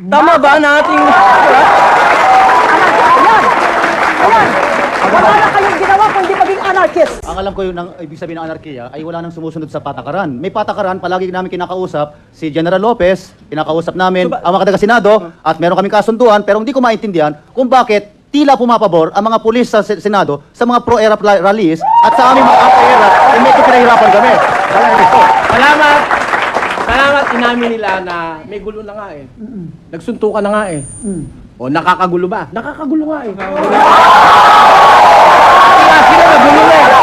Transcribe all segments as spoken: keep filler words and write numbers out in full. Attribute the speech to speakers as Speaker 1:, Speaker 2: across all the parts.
Speaker 1: Tama ba na ating...
Speaker 2: Ayan! Ayan! Wala na kayong ginawa kung hindi maging anarchist.
Speaker 3: Ang alam ko yung ang ibig sabihin ng anarkiya ay wala nang sumusunod sa patakaran. May patakaran, palagi namin kinakausap si General Lopez, kinakausap namin ang mga taga-Senado, at meron kaming kasunduan, pero hindi ko maintindihan kung bakit tila pumapabor ang mga pulis sa Sen- Senado sa mga pro-era pla- rallies at sa aming mga anti-era ay medyo pinahirapan kami.
Speaker 1: Salamat! Salamat, inamin nila na may gulo na nga eh. Nagsuntukan na nga eh. O nakakagulo ba? Nakakagulo nga eh. Kaya sila nagulo na eh.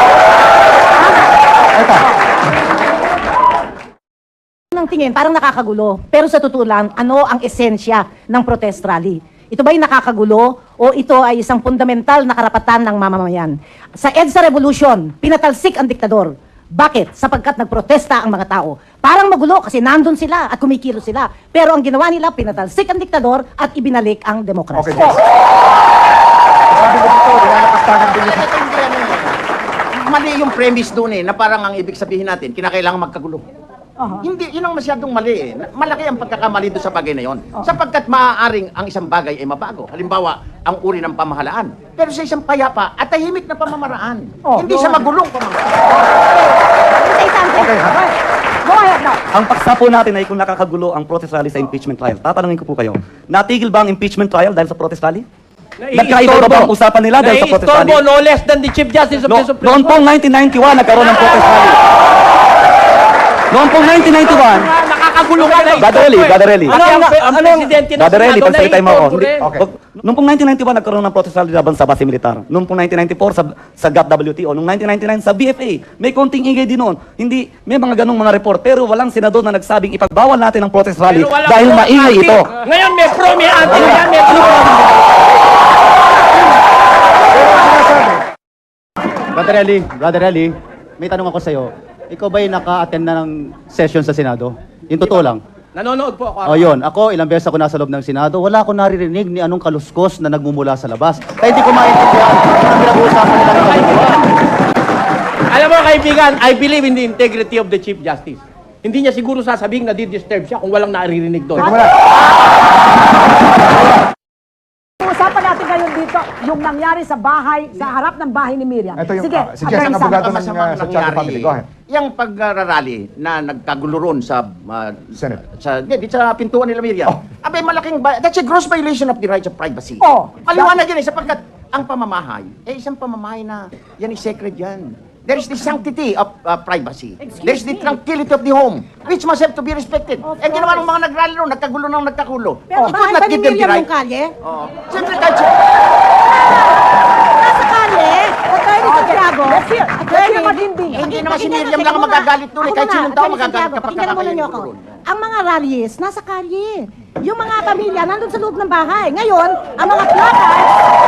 Speaker 2: Ng tingin, parang nakakagulo. Pero sa totoo lang, ano ang esensya ng protest rally? Ito ba'y nakakagulo o ito ay isang fundamental na karapatan ng mamamayan? Sa EDSA Revolution, pinatalsik ang diktador. Bakit? Sapagkat nagprotesta ang mga tao. Parang magulo kasi nandun sila at kumikilo sila. Pero ang ginawa nila, pinatalsik ang diktador at ibinalik ang demokrasya.
Speaker 4: Okay, Jess. Sabi ko dito, nilalapastagan din yung...
Speaker 5: Mali yung premise doon eh, na parang ang ibig sabihin natin, kinakailangan magkagulo. Hindi, yun ang masyadong mali eh. Malaki ang pagkakamali doon sa bagay na yun. Sapagkat maaaring ang isang bagay ay mabago. Halimbawa, ang uri ng pamahalaan. Pero sa isang payapa at tahimik na pamamaraan.
Speaker 2: Oh,
Speaker 5: hindi
Speaker 2: go
Speaker 5: sa
Speaker 2: ahead.
Speaker 5: magulong pamamaraan.
Speaker 2: Say something.
Speaker 4: Okay, ha?
Speaker 2: Go ahead now.
Speaker 6: Ang paksa po natin ay kung nakakagulo ang protest rally sa impeachment trial. Tatanungin ko po kayo, natigil ba ang impeachment trial dahil sa protest rally? Nagkaiba ba ang usapan nila dahil sa protest rally?
Speaker 1: Naiistorbo no less than the Chief Justice of
Speaker 6: No,
Speaker 1: the Supreme
Speaker 6: noon
Speaker 1: Court.
Speaker 6: pong nineteen ninety-one, nagkaroon ng protest rally. Noon pong nineteen ninety-one,
Speaker 1: Nakakagulo nga na
Speaker 6: Gadarelli, Gadarelli.
Speaker 1: Ano ang, ang presidente ng
Speaker 6: Gadarelli,
Speaker 1: Senado
Speaker 6: pagsalita mo ako.
Speaker 1: naiistorbo rin.
Speaker 4: Okay.
Speaker 6: Wag- Noong pong nineteen ninety-one, nagkaroon ng protest rally laban sa base militar. Noong pong nineteen ninety-four, sa, sa G A T W T O. Noong nineteen ninety-nine, sa B F A. May konting ingay din noon. Hindi, may mga ganong mga report. Pero walang senador na nagsabing ipagbawal natin ang protest rally
Speaker 1: Pero walang
Speaker 6: dahil
Speaker 1: pro,
Speaker 6: maingay
Speaker 1: anti.
Speaker 6: ito.
Speaker 1: Ngayon may pro, may anti. Ngayon may pro.
Speaker 3: Brother Eli, Brother Eli, may tanong ako sa'yo. Ikaw ba'y naka-attend na ng session sa Senado? Yung totoo lang.
Speaker 1: Nanonood po ako.
Speaker 3: O yun, ako ilang beses ako nasa loob ng Senado, wala akong naririnig ni anong kaluskos na nagmumula sa labas. Kaya hindi ko maintindihan ang pinag-uusapan nila ng kaluluwa.
Speaker 1: Alam mo kaibigan, I believe in the integrity of the Chief Justice. Hindi niya siguro sasabihin na di-disturb siya kung walang naririnig doon.
Speaker 4: Teka muna.
Speaker 2: Usapan natin ngayon dito yung nangyari sa bahay, sa harap ng bahay ni Miriam.
Speaker 4: Ito yung,
Speaker 2: Sige,
Speaker 4: ah, si Jess ang
Speaker 2: Attorney Sam.
Speaker 4: abogado ng
Speaker 5: Masamang
Speaker 4: uh, sa Charter Family. Go ahead.
Speaker 5: Yung pagrarally na nagkagulo ron sa uh,
Speaker 4: Senate.
Speaker 5: sa di, di sa pintuan nila Miriam.
Speaker 4: Oh.
Speaker 5: Abay malaking ba- that's a gross violation of the rights of privacy.
Speaker 2: Oh.
Speaker 5: Paliwanag yan eh sapagkat ang pamamahay eh isang pamamahay na yan is sacred yan. There is the sanctity of uh, privacy.
Speaker 2: Excuse
Speaker 5: There is the
Speaker 2: me.
Speaker 5: tranquility of the home which must have to be respected.
Speaker 2: Of
Speaker 5: Eh ginawa ng
Speaker 2: course.
Speaker 5: mga nagrally ron, nagkagulo ng nagkagulo.
Speaker 2: Pero
Speaker 5: You could
Speaker 2: bahay
Speaker 5: not
Speaker 2: ba ni
Speaker 5: give them the
Speaker 2: Miriam
Speaker 5: right.
Speaker 2: yung kalye?
Speaker 5: Oo. Siyempre kahit sa...
Speaker 2: Nasa kalye, Attorney Santiago. Let's hear. Attorney
Speaker 5: Eh,
Speaker 2: Matindi.
Speaker 5: hindi naman si
Speaker 2: Pakinggan
Speaker 5: Miriam
Speaker 2: mo,
Speaker 5: lang ang
Speaker 2: teka
Speaker 5: magagalit
Speaker 2: muna.
Speaker 5: doon eh.
Speaker 2: Ako
Speaker 5: Kahit
Speaker 2: muna,
Speaker 5: sinong tao
Speaker 2: Attorney
Speaker 5: magagalit
Speaker 2: Santiago,
Speaker 5: kapag
Speaker 2: pakinggan mo
Speaker 5: kakakainin
Speaker 2: ninyo
Speaker 5: mo
Speaker 2: ako.
Speaker 5: doon.
Speaker 2: Ang mga rallies, nasa kalye. Yung mga pamilya, nandun sa loob ng bahay. Ngayon, ang mga placards,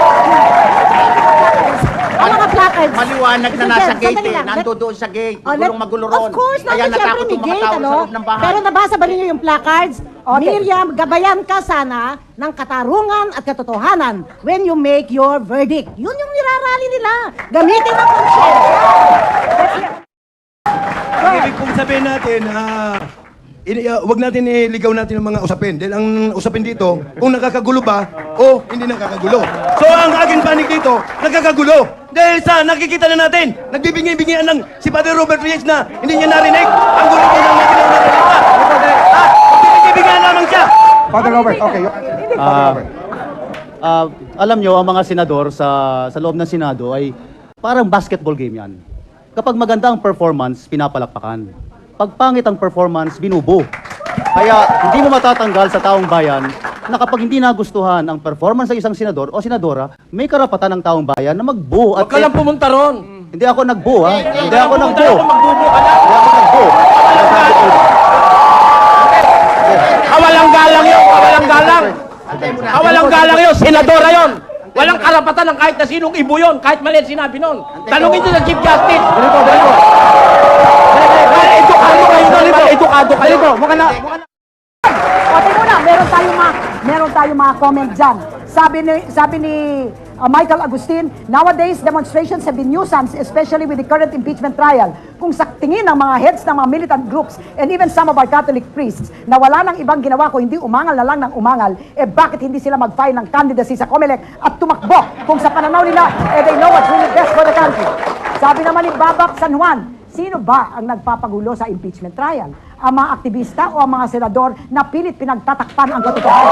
Speaker 2: ang mga placards.
Speaker 5: Maliwanag na
Speaker 2: Sige,
Speaker 5: nasa gate
Speaker 2: sandali
Speaker 5: eh.
Speaker 2: lang.
Speaker 5: Nando doon sa gate.
Speaker 2: Oh, let-
Speaker 5: Magulong magulo ron.
Speaker 2: Of course,
Speaker 5: Kaya
Speaker 2: nandun siyempre
Speaker 5: natakot
Speaker 2: may
Speaker 5: yung mga
Speaker 2: gate,
Speaker 5: tao
Speaker 2: ano?
Speaker 5: sa loob ng bahay.
Speaker 2: Pero nabasa ba ninyo yung placards? Miriam, gabayan ka sana ng katarungan at katotohanan when you make your verdict. Yun yung nirarally nila. Gamitin ang conscience.
Speaker 7: Ang ibig kong sabihin natin, ah, ini, ah, wag natin iligaw natin ang mga usapin. Dahil ang usapin dito, kung nakakagulo ba o hindi nakakagulo. So ang aking panig dito, nakakagulo. Dahil sa nakikita na natin, nagbibigay-bigayan ng si Father Robert Reyes na hindi niya narinig. Ang gulo-gulo lang natin ang nasalita. Ah, nagbibigay lamang siya.
Speaker 4: Father Robert, okay. y- Father
Speaker 3: Ah,
Speaker 4: Robert.
Speaker 3: ah, alam nyo, ang mga senador sa, sa loob ng Senado ay parang basketball game yan. Kapag maganda ang performance, pinapalakpakan. Pag pangit ang performance, binubo. Kaya hindi mo matatanggal sa taong bayan na kapag hindi nagustuhan ang performance ng isang senador o senadora, may karapatan ng taong bayan na magbo.
Speaker 1: Huwag ka lang pumunta ron.
Speaker 3: Hindi ako nagbo, ha? Hindi ako
Speaker 1: Pumunta
Speaker 3: nagbo.
Speaker 1: ron, magbubo ka lang.
Speaker 3: Hindi ako nagbo.
Speaker 1: Kawalang galang yun, kawalang galang. Kawalang galang yun, senadora yun. Walang karapatan ng kahit na sinong ibo yun, kahit mali ang sinabi nun. Tanungin nyo sa Chief Justice.
Speaker 3: Ganito, ganito.
Speaker 1: Edukado kayo doon, ba? Edukado kayo.
Speaker 3: Ganito, mukha na, mukha na.
Speaker 2: O, tingnan mo na, meron tayong mga, meron tayong mga comment dyan. Sabi ni, sabi ni
Speaker 8: uh, Michael Agustin, nowadays demonstrations have been nuisance, especially with the current impeachment trial. Kung sa tingin ng mga heads ng mga militant groups and even some of our Catholic priests na wala nang ibang ginawa ko hindi umangal na lang ng umangal, eh bakit hindi sila mag-file ng candidacy sa COMELEC at tumakbo kung sa pananaw nila, eh they know what's really best for the country. Sabi naman ni Babak San Juan, sino ba ang nagpapagulo sa impeachment trial? Ang mga aktivista o ang mga senador na pilit pinagtatakpan ang katotohanan?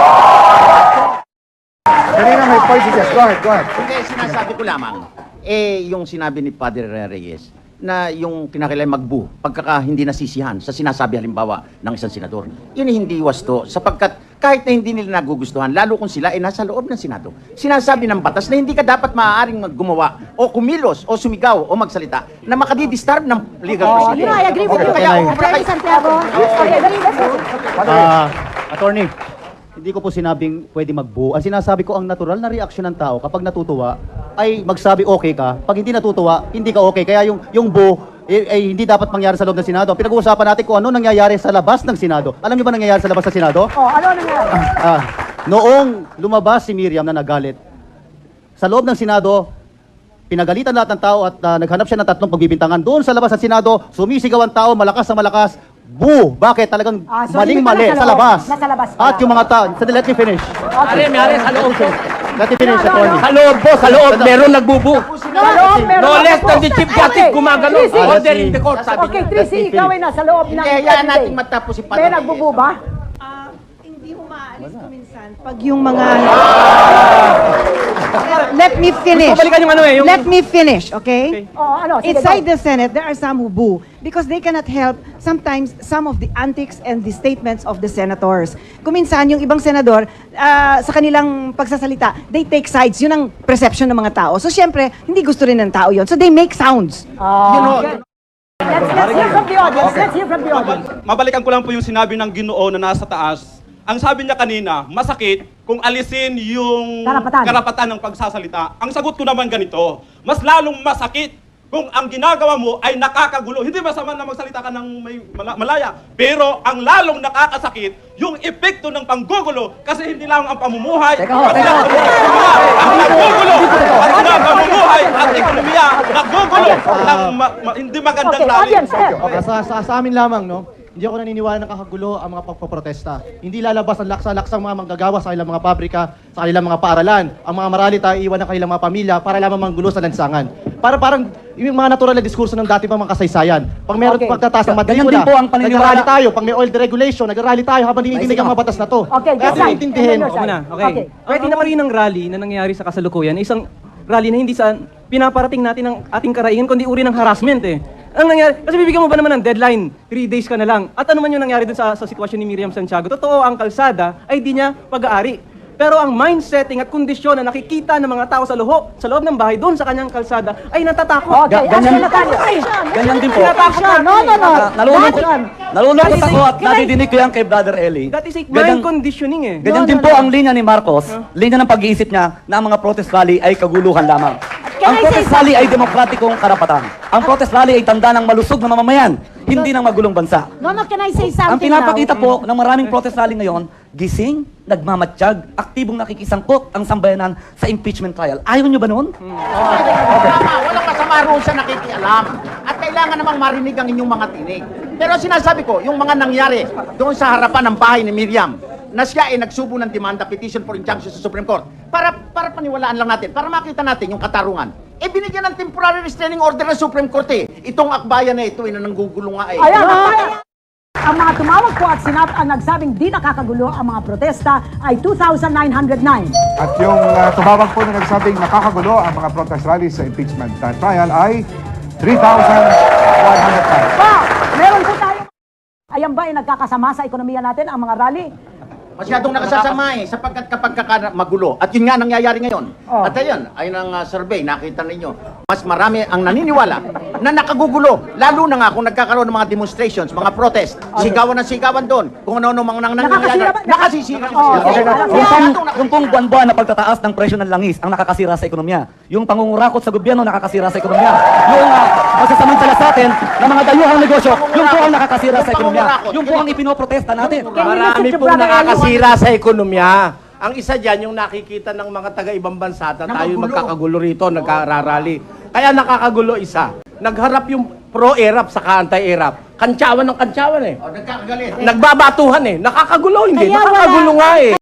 Speaker 4: Kanina may point si Jess. Go ahead, go ahead.
Speaker 5: Hindi, sinasabi ko lamang, eh, yung sinabi ni Padre Reyes, na yung kinakailangan magbu, pagkaka hindi nasisihan sa sinasabi halimbawa ng isang senador. Yun ay hindi wasto, sapagkat kahit na hindi nila nagugustuhan, lalo kung sila ay nasa loob ng Senado. Sinasabi ng batas na hindi ka dapat maaaring gumawa o kumilos o sumigaw o magsalita na makadidisturb ng legal
Speaker 2: Oh,
Speaker 5: proceeding.
Speaker 2: you know, I agree with you.
Speaker 5: Kaya,
Speaker 2: Attorney Santiago. Okay, let's- let's-
Speaker 3: Ah, attorney, hindi ko po sinabing pwede magbuo. Ang sinasabi ko, ang natural na reaksyon ng tao kapag natutuwa ay magsabi okay ka. Pag hindi natutuwa, hindi ka okay. Kaya yung yung buo eh, ay hindi dapat mangyari sa loob ng Senado. Pinag-uusapan natin kung ano nangyayari sa labas ng Senado. Alam niyo ba nangyayari sa labas ng Senado?
Speaker 8: Oh, ano nangyari?
Speaker 3: Ah, noong lumabas si Miriam na nagalit, sa loob ng Senado, pinagalitan lahat ng tao at ah, naghanap siya ng tatlong pagbibintangan. Doon sa labas ng Senado, sumisigaw ang tao, malakas na malakas, boo! Bakit? Talagang
Speaker 8: Ah, so
Speaker 3: maling
Speaker 8: hindi pala
Speaker 3: mali
Speaker 8: sa
Speaker 3: sa
Speaker 8: loob.
Speaker 3: labas.
Speaker 8: Nasa labas pala.
Speaker 3: At yung mga tao, so let me finish.
Speaker 1: Are, mayari sa loob po.
Speaker 3: Let me finish,
Speaker 8: No, no,
Speaker 3: attorney.
Speaker 1: Sa loob po, sa loob, meron nagbubu.
Speaker 8: Sa loob, meron
Speaker 1: No
Speaker 8: ako
Speaker 1: less
Speaker 8: po.
Speaker 1: than the Chief Justice
Speaker 8: Okay,
Speaker 1: gumagano.
Speaker 8: Tracy.
Speaker 1: Order in the court, sabi
Speaker 8: Okay,
Speaker 1: niya.
Speaker 8: Tracy, ikaw ay nasa loob ng
Speaker 5: Hindi, hayaan natin matapos si Padre
Speaker 8: May
Speaker 5: Reyes.
Speaker 8: nagbubu ba?
Speaker 9: Hindi umaalis ko minsan pag yung mga... Let me finish.
Speaker 1: Gusto balikan yung ano eh, yung-
Speaker 9: Let me finish, okay?
Speaker 8: Oh, ano? Sige,
Speaker 9: Inside
Speaker 8: go.
Speaker 9: the Senate, there are some who boo because they cannot help sometimes some of the antics and the statements of the senators. Kung minsan, yung ibang senador, ah, sa kanilang pagsasalita, they take sides. Yun ang perception ng mga tao. So, syempre, hindi gusto rin ng tao yun. So, they make sounds.
Speaker 8: You know, let's, let's hear from the audience. Let's hear from the audience.
Speaker 10: Mabalikan ko lang po yung sinabi ng Ginoo na nasa taas. Ang sabi niya kanina, masakit kung alisin yung
Speaker 8: Karapatan.
Speaker 10: ng pagsasalita. Ang sagot ko naman ganito, mas lalong masakit kung ang ginagawa mo ay nakakagulo. Hindi masama na magsalita ka ng may mala- malaya, pero ang lalong nakakasakit, yung epekto ng panggugulo, kasi hindi lang ang pamumuhay,
Speaker 2: Teka ho,
Speaker 10: pati
Speaker 2: teka ho,
Speaker 10: ang ekonomiya, ang nagugulo, pati na ang pamumuhay at ekonomiya, nagugulo ng ma- ma- hindi magandang
Speaker 8: Okay,
Speaker 10: lalim.
Speaker 8: audience, sir.
Speaker 4: Okay, sa, sa, sa amin lamang, no? Hindi ako naniniwala na kakagulo ang mga pagpoprotesta. Hindi lalabas ang laksa-laksang mga manggagawa sa kanilang mga pabrika, sa kanilang mga paaralan. Ang mga maralita, iiwan ng kanilang mga pamilya para lamang manggulo sa lansangan. Para parang yung mga natural na diskurso ng dati pa mga kasaysayan. Pag meron
Speaker 8: Okay.
Speaker 4: pagtataas ng
Speaker 6: Ganyan
Speaker 4: matrikula,
Speaker 6: din po ang paniniwala.
Speaker 4: nag-rally tayo. Pag may oil deregulation, nag-rally tayo habang dinidinig ang mga batas na to.
Speaker 8: Okay,
Speaker 4: Kaya
Speaker 8: just like-
Speaker 4: intindihin.
Speaker 8: and then your side.
Speaker 11: Muna, okay.
Speaker 8: Okay.
Speaker 11: Pwede naman rin ng rally na nangyayari sa kasalukuyan, isang rally na hindi sa pinaparating natin ng ating karaihan, kundi uri ng harassment eh. Ang nangyari, kasi bibigyan mo ba naman ng deadline, three days ka na lang. At ano man yung nangyari dun sa, sa sitwasyon ni Miriam Santiago, totoo ang kalsada ay di niya pag-aari. Pero ang mindsetting at kondisyon na nakikita ng mga tao sa loob, sa loob ng bahay, doon sa kanyang kalsada, ay natatakot.
Speaker 8: Okay,
Speaker 6: Ga- ganyan-
Speaker 8: action na tayo.
Speaker 6: Ganyan din po.
Speaker 8: Action. No, no, no.
Speaker 6: Ah, nalulungkot,
Speaker 8: Action.
Speaker 6: nalulungkot
Speaker 8: That is
Speaker 6: ako
Speaker 8: a-
Speaker 6: at nadidinig ko yan kay Brother Eli.
Speaker 11: That is a
Speaker 6: Ganyan-
Speaker 11: mind conditioning eh.
Speaker 6: Ganyan
Speaker 8: No,
Speaker 6: din
Speaker 8: no,
Speaker 6: po
Speaker 8: no.
Speaker 6: ang linya ni Marcos, linya ng pag-iisip niya na ang mga protest rally ay kaguluhan lamang.
Speaker 8: Can
Speaker 6: Ang
Speaker 8: I say
Speaker 6: protest rally ay demokratikong karapatan. Ang protest rally ay tanda ng malusog na mamamayan, hindi ng magulong bansa.
Speaker 2: No, no, can I say something
Speaker 6: Ang pinapakita
Speaker 2: now?
Speaker 6: po ng maraming protest rally ngayon, gising, nagmamatsyag, aktibong nakikisangkot ang sambayanan sa impeachment trial. Ayaw nyo ba noon?
Speaker 5: Tama, walang masama roon sa nakikialam. At kailangan namang marinig ang inyong mga tinig. Pero sinasabi ko, yung mga nangyari doon sa harapan ng bahay ni Miriam, na siya ay nagsubo ng demanda petition for injunction sa Supreme Court, para para paniwalaan lang natin, para makita natin yung katarungan. Eh, binigyan ng temporary restraining order ng Supreme Court eh. Itong akbayan na ito, eh, na nanggugulo nga eh.
Speaker 8: Ayan, ayan. Ang mga tumawag po at sinat ang nagsabing di nakakagulo ang mga protesta ay two thousand nine hundred nine.
Speaker 12: At yung uh, tumawag po na nagsabing nakakagulo ang mga protest rallies sa impeachment uh, trial ay three thousand one hundred five.
Speaker 8: Pa, meron po tayo. Ayan ba ay nagkakasama sa ekonomiya natin ang mga rally?
Speaker 5: Masyadong nakasasama eh, sapagkat kapag kaka- magulo. At yun nga nangyayari ngayon.
Speaker 8: Oh.
Speaker 5: At ayun, ay ng uh, survey, nakita ninyo, mas marami ang naniniwala na nakagugulo. Lalo na nga kung nagkakaroon ng mga demonstrations, mga protest, sigawan ng sigawan doon. Kung ano-ano mga nang nangyayari.
Speaker 8: Nakakasira ba?
Speaker 5: Nakasisira.
Speaker 8: Oh, okay.
Speaker 6: Yung pong, yung pong buwan-buwan na pagtataas ng presyo ng langis ang nakakasira sa ekonomiya. Yung pangungurakot sa gobyerno nakakasira sa ekonomiya. Yung uh, magsasamantala sa atin ng mga dayuhang negosyo, yung po ang nakakasira sa ekonomiya. Yung po ang ipinoprotesta natin.
Speaker 8: Can you listen
Speaker 1: Marami
Speaker 8: to
Speaker 1: pong
Speaker 8: Brother Eli?
Speaker 1: nakakasira sa ekonomiya. Ang isa dyan, yung nakikita ng mga taga-ibang bansa na
Speaker 5: Na
Speaker 1: tayo
Speaker 5: magulo.
Speaker 1: magkakagulo rito, nagkararally. Kaya nakakagulo isa. Nagharap yung pro-Arab sa anti-Arab. Kantsawan ng kantsawan eh.
Speaker 5: O, nagkakagalit.
Speaker 1: Nagbabatuhan eh. Nakakagulo, hindi.
Speaker 2: Kaya wala-
Speaker 1: Nakakagulo nga eh.